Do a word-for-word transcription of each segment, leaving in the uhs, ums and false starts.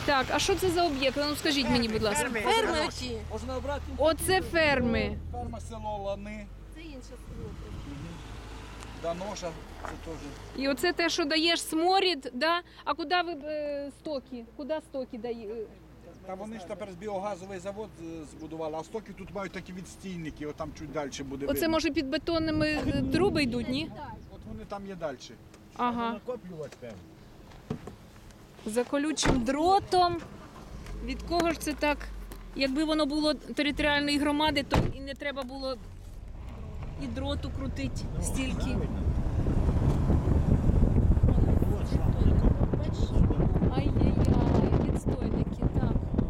Так, а що це за об'єкт? Ну скажіть мені, будь ласка. Ферми оті. Можна обрати? Оце ферми. Ферма село Лани, Це інше село. Даноша, це теж. І оце те, що даєш сморід, да? А куди ви е, стоки? Куди стоки даєте? Та вони ж тепер з біогазовий завод е, збудували, а стоки тут мають такі відстійники, от там чуть далі буде. Оце видно. може під бетонними е, труби йдуть, ні? От вони там є далі. Ага. Накоплювати певно. За колючим дротом. Від кого ж це так? Якби воно було територіальної громади, то і не треба було і дроту крутити стільки. Ай-яй-яй, відстойники, так.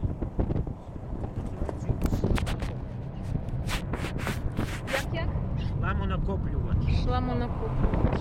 Як-як? Шламонакоплювач. Шламонакоплювач.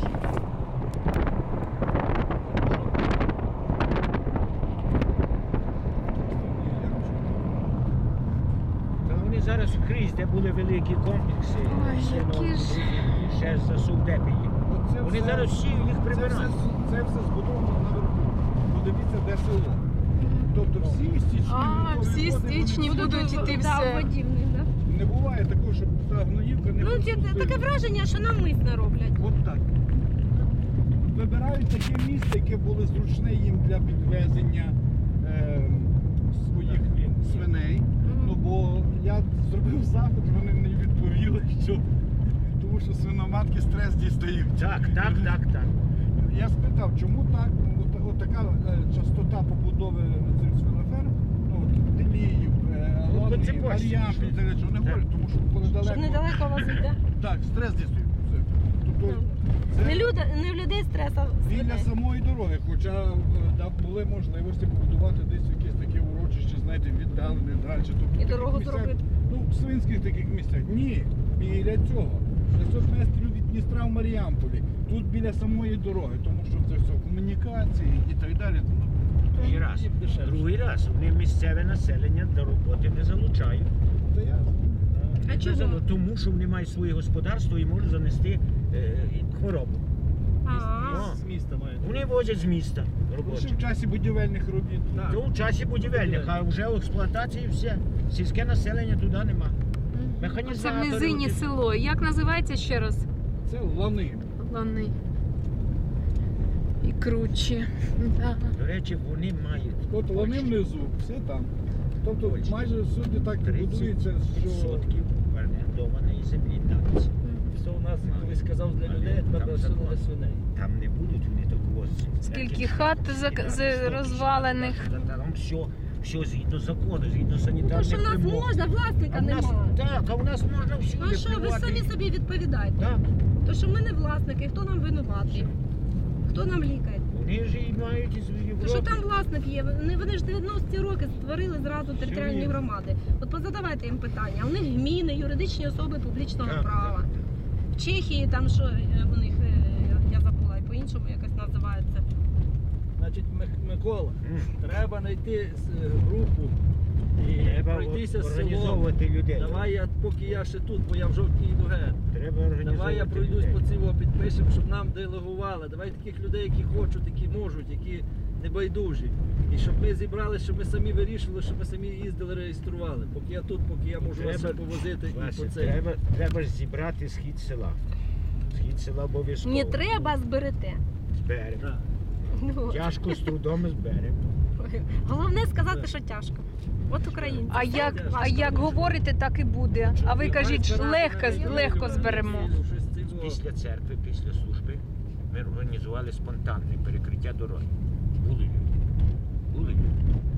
Та вони зараз скрізь, де були великі комплекси, Ой, сино, які ж. і ще за Совдепії. Оце Вони все- зараз всі їх Це все, прибирають. це все збудовано наверху. Подивіться, де село. Тобто всі стічні А, води, всі вони стічні всі- будуть іти Да, все. водівник, да? Не буває такого, щоб та гноївка не Ну, ті- пропустила. таке враження, що навмисно роблять. От так. Вибирають таке місце, яке було зручне їм для підвезення е, своїх свиней. Ну бо я зробив запит, вони мені відповіли, що тому що свиноматки стрес дістають. Так, так, так, так. Я спитав, чому так? От, от така е, частота побудови цих свиноферм, ну от Деліїв, е, Ну, Лани, по цепочці Мар'ян, пішли. що не Так. говорять, тому що коли Щоб далеко. недалеко возити, да? Так, стрес дістають. Це- Тобто, це Не, люди, не в людей стреса. біля самої дороги, хоча е, да, були можливості побудувати десь якісь такі урочища, знаєте, віддалене далі. Тобто, в І таких дорогу місцях, зробити. Ну, в свинських таких місцях. Ні, біля цього. шістсот метрів від Дністра в Маріамполі. Тут біля самої дороги, тому що це все комунікації і так далі. Ну, Другий раз. їм дешевше. Другий раз. Вони місцеве населення до роботи не залучають. Це я. А Не чого? залу- Тому що вони мають своє господарство і можуть занести е, і хворобу. А, О, міста мають. Вони возять з міста Ще робочих. в часі будівельних робіт. То в часі будівельних, а вже в експлуатації все. Сільське населення туди нема. Це в Механізатори. низині оті- село. Як називається ще раз? Це лани. Лани. І кручі. Да. До речі, вони мають От лани внизу, все там. Тобто Ось. майже всюди так будується, тридцять що відсотків орендованої землі навіть. Все у нас колись сказав для людей, тепер Там для закон. для свиней. Там не будуть вони так возити. Скільки хат зак- з- розвалених. Там все, все згідно закону, згідно то, санітарних що в нас вимог. можна, власника А в нас, нема. так, а в нас можна всюди Ну а що, ви плювати. самі собі відповідаєте? Так, То, що ми не власники, хто нам винуватий? Хто нам лікає? вони ж і мають із То, Європи. що там власник є? Вони, вони ж дев'яності роки створили зразу територіальні вірно. громади. От позадавайте їм питання. У них гміни, юридичні особи публічного Так, права. так. В Чехії там що е, у них, е, я забула, і по-іншому якось називається. Значить, Мик- Микола, М. треба знайти е, групу і Треба пройтися селом. організовувати людей. Давай я, поки я ще тут, бо я в жовтні йду геть. Треба організовувати Давай я пройдусь людей. по цього, підпишемо, щоб нам делегували. Давай таких людей, які хочуть, які можуть, які небайдужі. І щоб ми зібрали, щоб ми самі вирішували, щоб ми самі їздили, реєстрували. Поки я тут, поки я можу вас Треба- повозити і Вася, по це. треба, треба ж зібрати схід села. Схід села обов'язково. Не треба, зберете. Зберемо. Так. Ну, Тяжко з трудом зберемо. головне сказати, що тяжко. От українці. А як, а як говорите, так і буде. А ви кажіть, що легко, легко зберемо. Щось цього. Після церкви, після служби ми організували спонтанне перекриття дороги. Були люди. Були люди.